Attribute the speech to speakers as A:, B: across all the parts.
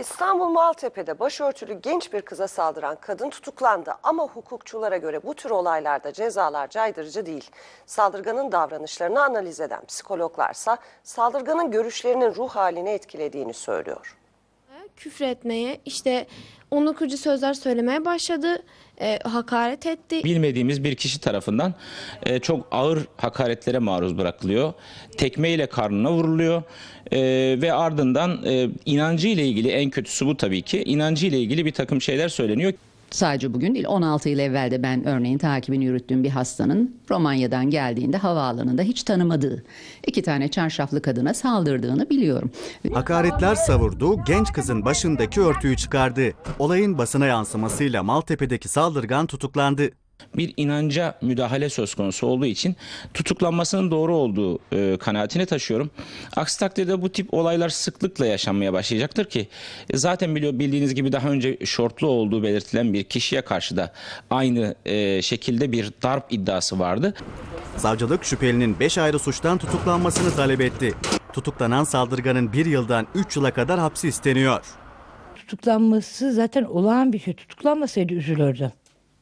A: İstanbul Maltepe'de başörtülü genç bir kıza saldıran kadın tutuklandı ama hukukçulara göre bu tür olaylarda cezalar caydırıcı değil. Saldırganın davranışlarını analiz eden psikologlarsa saldırganın görüşlerinin ruh halini etkilediğini söylüyor.
B: Küfretmeye, işte onur kırıcı sözler söylemeye başladı, hakaret etti.
C: Bilmediğimiz bir kişi tarafından çok ağır hakaretlere maruz bırakılıyor. Tekmeyle karnına vuruluyor ve ardından inancı ile ilgili, en kötüsü bu tabii ki, inancı ile ilgili bir takım şeyler söyleniyor.
D: Sadece bugün değil, 16 yıl evvel de ben örneğin takibini yürüttüğüm bir hastanın Romanya'dan geldiğinde havaalanında hiç tanımadığı 2 tane çarşaflı kadına saldırdığını biliyorum.
E: Hakaretler savurdu, genç kızın başındaki örtüyü çıkardı. Olayın basına yansımasıyla Maltepe'deki saldırgan tutuklandı.
C: Bir inanca müdahale söz konusu olduğu için tutuklanmasının doğru olduğu kanaatini taşıyorum. Aksi takdirde bu tip olaylar sıklıkla yaşanmaya başlayacaktır ki zaten bildiğiniz gibi daha önce şortlu olduğu belirtilen bir kişiye karşı da aynı şekilde bir darp iddiası vardı.
E: Savcılık şüphelinin 5 ayrı suçtan tutuklanmasını talep etti. Tutuklanan saldırganın 1 yıldan 3 yıla kadar hapsi isteniyor.
F: Tutuklanması zaten olağan bir şey. Tutuklanmasaydı üzülürdüm.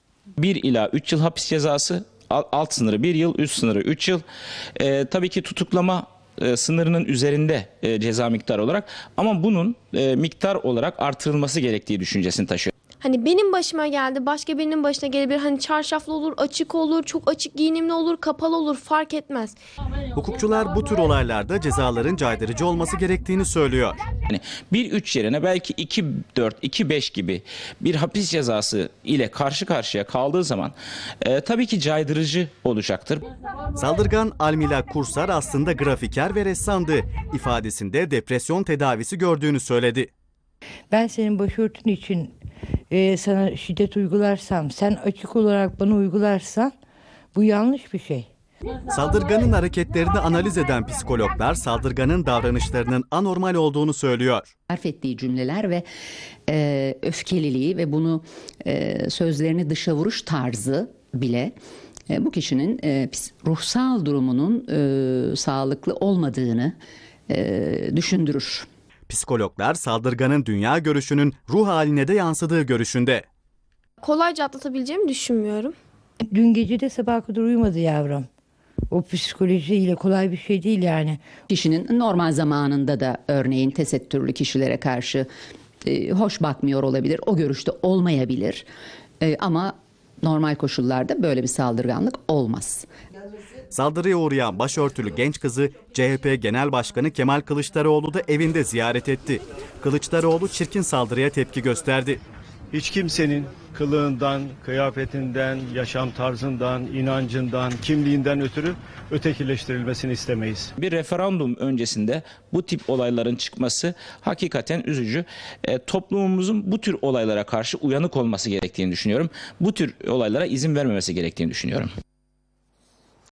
C: 1 ila 3 yıl hapis cezası, alt sınırı 1 yıl, üst sınırı 3 yıl. Tabii ki tutuklama sınırının üzerinde ceza miktarı olarak, ama bunun miktar olarak artırılması gerektiği düşüncesini taşıyor.
B: Hani benim başıma geldi, başka birinin başına gelebilir. Hani çarşaflı olur, açık olur, çok açık giyinimli olur, kapalı olur, fark etmez.
E: Hukukçular bu tür olaylarda cezaların caydırıcı olması gerektiğini söylüyor.
C: Yani 1-3 yerine belki 2-4, 2-5 gibi bir hapis cezası ile karşı karşıya kaldığı zaman tabii ki caydırıcı olacaktır.
E: Saldırgan Almila Kursar aslında grafiker ve ressamdı. İfadesinde depresyon tedavisi gördüğünü söyledi.
F: Ben senin başörtün için sana şiddet uygularsam, sen açık olarak bana uygularsan bu yanlış bir şey.
E: Saldırganın hareketlerini analiz eden psikologlar saldırganın davranışlarının anormal olduğunu söylüyor.
D: Sarf ettiği cümleler ve öfkeliliği ve bunu sözlerini dışa vuruş tarzı bile bu kişinin ruhsal durumunun sağlıklı olmadığını düşündürür.
E: Psikologlar saldırganın dünya görüşünün ruh haline de yansıdığı görüşünde.
B: Kolayca atlatabileceğimi düşünmüyorum.
F: Dün gece de sabaha kadar uyumadı yavrum. O psikolojiyle kolay bir şey değil yani.
D: Kişinin normal zamanında da örneğin tesettürlü kişilere karşı hoş bakmıyor olabilir, o görüşte olmayabilir. Ama normal koşullarda böyle bir saldırganlık olmaz.
E: Saldırıya uğrayan başörtülü genç kızı CHP Genel Başkanı Kemal Kılıçdaroğlu da evinde ziyaret etti. Kılıçdaroğlu çirkin saldırıya tepki gösterdi.
G: Hiç kimsenin kılığından, kıyafetinden, yaşam tarzından, inancından, kimliğinden ötürü ötekileştirilmesini istemeyiz.
C: Bir referandum öncesinde bu tip olayların çıkması hakikaten üzücü. Toplumumuzun bu tür olaylara karşı uyanık olması gerektiğini düşünüyorum. Bu tür olaylara izin vermemesi gerektiğini düşünüyorum.